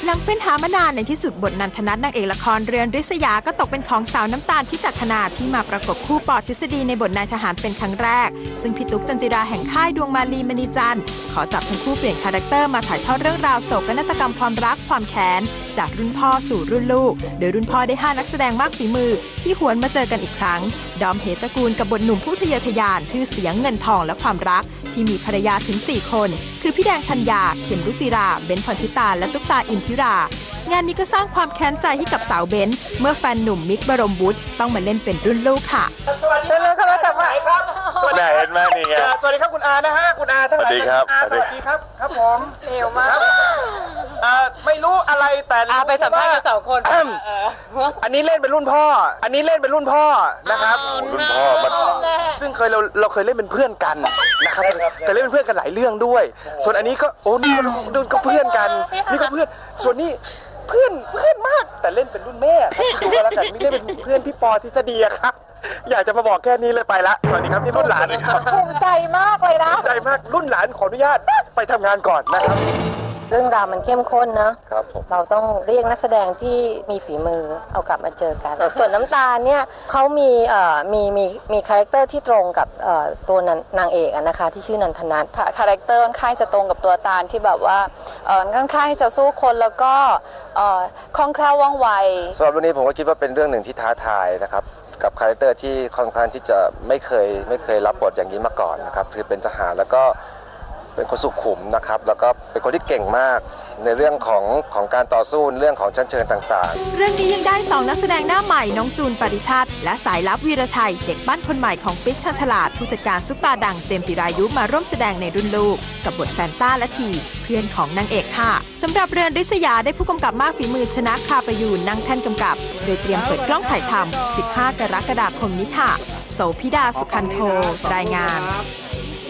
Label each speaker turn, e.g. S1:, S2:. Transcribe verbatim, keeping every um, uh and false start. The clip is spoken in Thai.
S1: หลังเป็นหามานานในที่สุดบทนันทนัทนางเอกละครเรือนริษยาก็ตกเป็นของสาวน้ำตาลพิจักขณาที่มาประกบคู่ปอทฤษฎีในบทนายทหารเป็นครั้งแรกซึ่งพี่ตุ๊กจันจิราแห่งค่ายดวงมาลีมณีจันทร์ขอจับทั้งคู่เปลี่ยนคาแรคเตอร์มาถ่ายทอดเรื่องราวโศกนาฏกรรมความรักความแค้นจากรุ่นพ่อสู่รุ่นลูกโดยรุ่นพ่อได้ห้านักแสดงมากฝีมือที่หวนมาเจอกันอีกครั้งดอมเหตระกูลกับบทหนุ่มผู้ทะเยอทะยานชื่อเสียงเงินทองและความรักที่มีภรรยาถึงสี่คนคือพี่แดงธัญญาเข็มรุจิราเบนพรชิตาและตุ๊กตาอินทิรางานนี้ก็สร้างความแค้นใจให้กับสาวเบนเมื่อแฟนหนุ่มมิกบรมวุฒิต้องมาเล่นเป็นรุ่นลูกค่ะ
S2: สวัสดีครับมาจากไหนครับ
S3: สวัสดีเห็นไหมนี่ไง
S2: สวัสดีครับคุณอานะฮะคุณอาทั้งหลาย
S3: สวัสดีครับ
S2: สวัสดีครับครับผมเร็วมากไม่รู้อะไรแต่
S4: อาไปสัมภาษณ์กันสองคน
S2: อันนี้เล่นเป็นรุ่นพ่ออันนี้เล่นเป็นรุ่นพ่อนะครับ
S3: รุ่นพ่อมัน
S2: ซึ่งเคยเราเราเคยเล่นเป็นเพื่อนกันนะครับแต่เล่นเป็นเพื่อนกันหลายเรื่องด้วยส่วนอันนี้ก็โอ้นี่ก็เพื่อนกันนี่ก็เพื่อนส่วนนี้เพื่อนเพื่อนมากแต่เล่นเป็นรุ่นแม่ครับดูกันแล้วกันนี่เล่นเป็นเพื่อนพี่ปอทฤษฎีครับอยากจะมาบอกแค่นี้เลยไปละสวัสดีครับที่รุ่นหลานครับ
S4: ภูมิใจมากเลยนะ
S2: ภูมิใจมากรุ่นหลานขออนุญาตไปทำงานก่อนนะครับ
S5: เรื่องราวมันเข้มข้นนะครับเราต้องเรียกนักแสดงที่มีฝีมือเอากลับมาเจอกันส่วนน้ำตาลเนี่ยเขามีเอ่อมีมีมีคาแรคเตอร์ที่ตรงกับเอ่อตัวนางเอกนะคะที่ชื่อนันทนัท
S4: ค่ะคาแรคเตอร์ค่อนข้างจะตรงกับตัวตาลที่แบบว่าเอ่อค่อนข้างจะสู้คนแล้วก็เอ่อคล่องแคล่วว่องไว
S3: สำหรับเรื่องนี้ผมก็คิดว่าเป็นเรื่องหนึ่งที่ท้าทายนะครับกับคาแรคเตอร์ที่ค่อนข้างที่จะไม่เคยไม่เคยรับบทอย่างนี้มาก่อนนะครับคือเป็นทหารแล้วก็เป็นคนสุขุมนะครับแล้วก็เป็นคนที่เก่งมากในเรื่องของของการต่อสู้เรื่องของชั้นเชิงต่าง
S1: ๆเรื่องนี้ยังได้สองนักแสดงหน้าใหม่น้องจูนปริชาติและสายลับวีรชัยเด็กบ้านคนใหม่ของปิ๊กชาญฉลาดผู้จัดการซุปตาดังเจมส์จิรายุมาร่วมแสดงในรุ่นลูกกับบทแฟนต้าและทีเพื่อนของนางเอกค่ะสำหรับเรือนริษยาได้ผู้กำกับมากฝีมือชนะคาประยูนนั่งแท่นกำกับโดยเตรียมเปิดกล้องถ่ายทำสิบห้ากรกฎาคมนี้ค่ะโสภิดาสุขันโทรายงาน